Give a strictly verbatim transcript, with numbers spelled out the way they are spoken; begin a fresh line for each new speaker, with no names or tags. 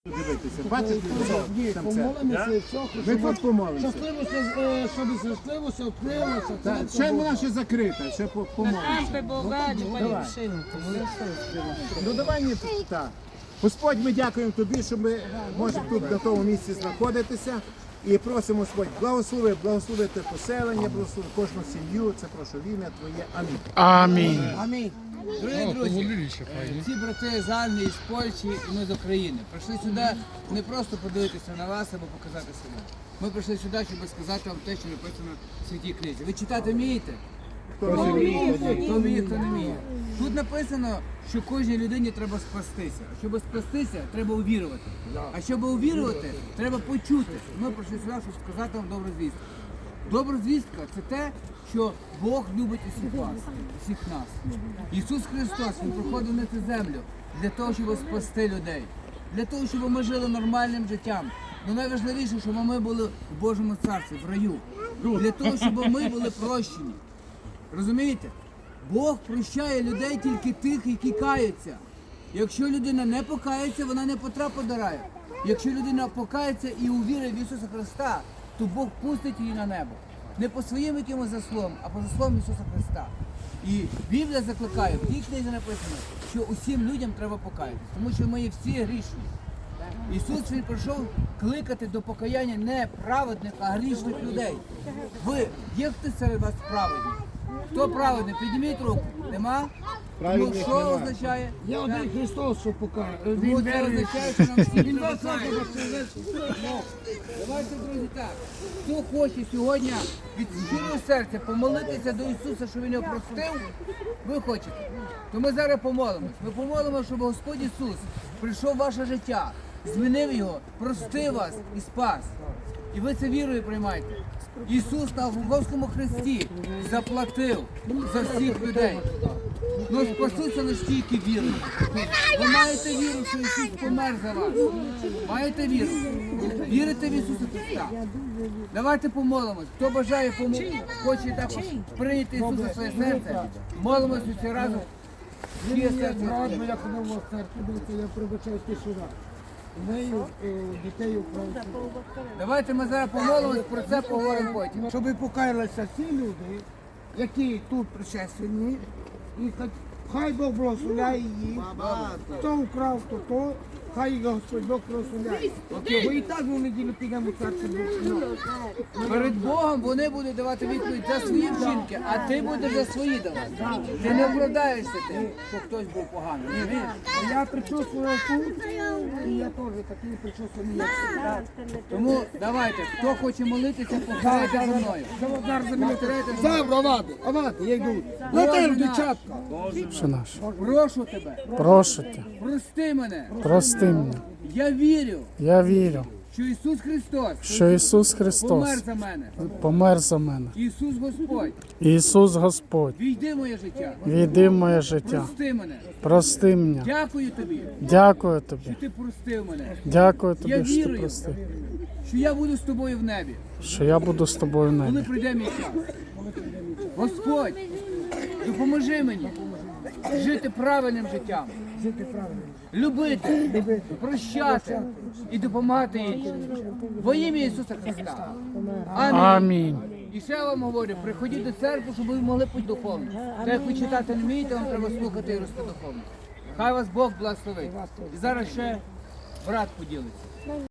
Дивитися, бачите,
Ні,
там це.
помолимося, все,
Ми тут помолимося.
щасливо, е, щоб щасливо, відкрилося.
Та, ще вона ще закрита, ще по- помолимося.
Ампи Богаді,
Давай. Ну давай ні, так. Господь, ми дякуємо тобі, що ми можемо тут на тому місці знаходитися. І просимо, Господь, благослови, благослови те поселення, благослови кожну сім'ю. Це прошу в ім'я Твоє. Амінь.
Амінь.
Амінь. Дорогі друзі, ці брати з Англії, з Польщі і ми з України прийшли сюди не просто подивитися на вас або показати себе. Ми прийшли сюди, щоб сказати вам те, що написано в Святій книзі. Ви читати вмієте? Хто вміє, хто вміє, хто не вміє. Тут написано, що кожній людині треба спастися. А щоб спастися, треба увірувати. А щоб увірувати, треба почути. Ми прийшли сюди, щоб сказати вам добру звістку. Добра звістка – це те, що Бог любить усіх вас, усіх нас. Ісус Христос, Він приходив на цю землю для того, щоб спасти людей. Для того, щоб ми жили нормальним життям. Але найважливіше, щоб ми були в Божому Царстві, в раю. Для того, щоб ми були прощені. Розумієте? Бог прощає людей тільки тих, які каються. Якщо людина не покається, вона не потрапить до раю. Якщо людина покається і увірить в Ісуса Христа, то Бог пустить її на небо. Не по своїм якимось заслугам, а по заслугам Ісуса Христа. І Біблія закликає, в тій книзі написано, що усім людям треба покаятися, тому що ми є всі грішні. Ісус Він прийшов кликати до покаяння не праведних, а грішних людей. Ви, є хтось серед вас праведний? Хто праведний? Підніміть руку. Нема? Ну, що означає? Я один Христос, що покаже.
Ну, це означає, що нам всі
Він вас
покають. Давайте, друзі, так. Хто хоче сьогодні від щирого серця помолитися до Ісуса, щоб Він його простив, ви хочете. То ми зараз помолимось. Ми помолимо, щоб Господь Ісус прийшов в ваше життя, змінив його, простив вас і спас. І ви це вірою приймаєте. Ісус на Голгофському хресті заплатив за всіх людей. Ну спасуться лише тільки вірою. Ви маєте віру, що Ісус помер за вас. Маєте віру. Вірите в Ісуса Христа. Давайте помолимось. Хто бажає, помо- хоче також прийняти Ісуса в своє серце, молимось усі разом. Всі серце.
Брат, я ходив в церкву, дивіться, я прибачаю ти сюди. Нею, дітей українців.
Давайте ми зараз помолимось, про це поговоримо потім.
Щоб покаялися всі люди, які тут причесені, і хай- хай Бог благословляє їх. Хто вкрав, то то, хай їх Господь Бог благословляє. Бо і так ми в неділю підемо в церкву.
Перед Богом вони будуть давати відповідь за свої вчинки, а ти будеш за свої давати. Ти не оправдаєшся тим, що хтось був поганий. Ні, вір.
Я причесував тут, і я теж такий причесаний, як всі.
Тому давайте, хто хоче молитися, повторяйте за мною.
Зараз за мене
Повторяйте за мною.
Завтра, авати, авати, я йду. Летим, дівчатка.
Що наш?
Прошу тебе,
Прошу тебе,
прости мене.
прости мене.
Я вірю,
Я вірю,
що Ісус Христос
що Ісус
помер
Христос
за мене.
помер за мене.
Ісус Господь,
Ісус Господь,
війди в моє життя.
війди в моє життя.
Прости мене.
Прости мене.
Дякую тобі,
Дякую тобі.
що ти простив мене.
Дякую
Я
тобі, що ти
вірую,
простив.
що я буду з тобою в небі,
Що я буду з тобою в
коли
небі.
прийде мій час. Господь, допоможи мені жити правильним життям,
Жити правильно.
любити, прощати і допомагати іншим. Во ім'я Ісуса Христа. Амінь.
Амінь.
І ще я вам говорю, приходіть до церкви, щоб ви могли бути духовні. Так як ви читати не вмієте, вам треба слухати і рости духовно. Хай вас Бог благословить. І зараз ще брат поділиться.